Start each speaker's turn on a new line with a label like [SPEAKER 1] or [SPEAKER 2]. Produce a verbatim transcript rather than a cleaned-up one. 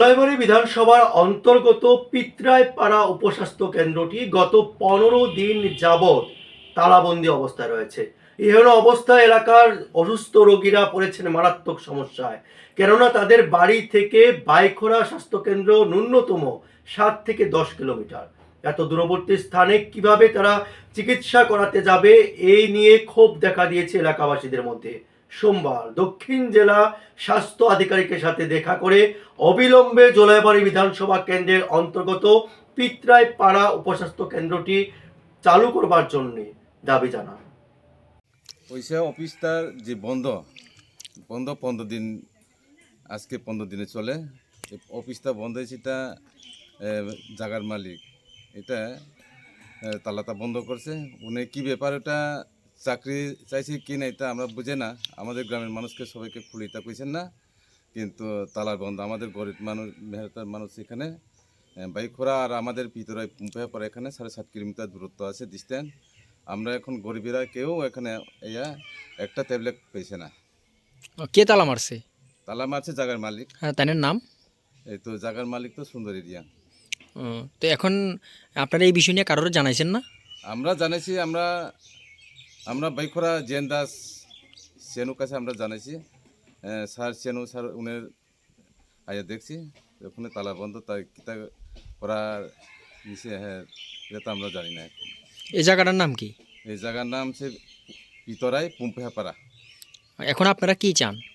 [SPEAKER 1] জলপাইগুড়ি বিধানসভার অন্তর্গত পিত্রাইপাড়া উপস্বাস্থ্য কেন্দ্রটি গত পনেরো দিন যাবৎ তালাবন্দি অবস্থায় রয়েছে। এহেন অবস্থায় এলাকার অসুস্থ রোগীরা পড়েছেন মারাত্মক সমস্যায়, কেননা তাদের বাড়ি থেকে বাইখোরা স্বাস্থ্যকেন্দ্র ন্যূনতম সাত থেকে দশ কিলোমিটার। এত দূরবর্তী স্থানে কিভাবে তারা চিকিৎসা করাতে যাবে, এই নিয়ে ক্ষোভ দেখা দিয়েছে এলাকাবাসীদের মধ্যে। সোমবার দক্ষিণ জেলা স্বাস্থ্য আধিকারিকের সাথে দেখা করে অবিলম্বে জলাইবাড়ি বিধানসভা কেন্দ্রের অন্তর্গত পিত্রাইপাড়া উপস্বাস্থ্য কেন্দ্রটি চালু করবার জন্য দাবি জানান।
[SPEAKER 2] ওইসে অফিসটার যে বন্ধ বন্ধ পনেরো দিন, আজকে পনেরো দিনে চলে। অফিসটা বন্ধ হয়েছে, এটা জাগার মালিক এটা তালাটা বন্ধ করছে। উনি কী ব্যাপার, ওটা চাকরি চাইছে কি না এটা আমরা বুঝে না। আমাদের গ্রামের মানুষকে সবাইকে খুলে এটা কইছেন না, কিন্তু তালার বন্ধ। আমাদের গরিব মানুষ, মেহনতার মানুষ এখানে বাইখোরা আর আমাদের ভিতরে পরে এখানে সাড়ে সাত কিলোমিটার দূরত্ব আছে ডিস্টেন্স। আমরা এখন গরিবেরা কেউ এখানে ইয়া একটা ট্যাবলেট পেয়েছে না।
[SPEAKER 3] কে তালা মারছে?
[SPEAKER 2] তালা মারছে জাগার মালিক।
[SPEAKER 3] হ্যাঁ, তাদের নাম?
[SPEAKER 2] এই তো জাগার মালিক তো সুন্দর এরিয়া।
[SPEAKER 3] তো এখন আপনারা এই বিষয় নিয়ে কারোর জানাইছেন না?
[SPEAKER 2] আমরা জানাইছি, আমরা আমরা বাইখোরা জেন দাস সেনুর কাছে আমরা জানাইছি। স্যার সেনু স্যার উনের আয়া দেখছি ওখানে তালা বন্ধ, তাই কিতা করার নিচে হ্যাঁ এটা তো আমরা জানি না।
[SPEAKER 3] এই জায়গাটার নাম কি?
[SPEAKER 2] এই জায়গার নাম সে পিতরাই পুম্পেহাপাড়া।
[SPEAKER 3] এখন আপনারা কি চান?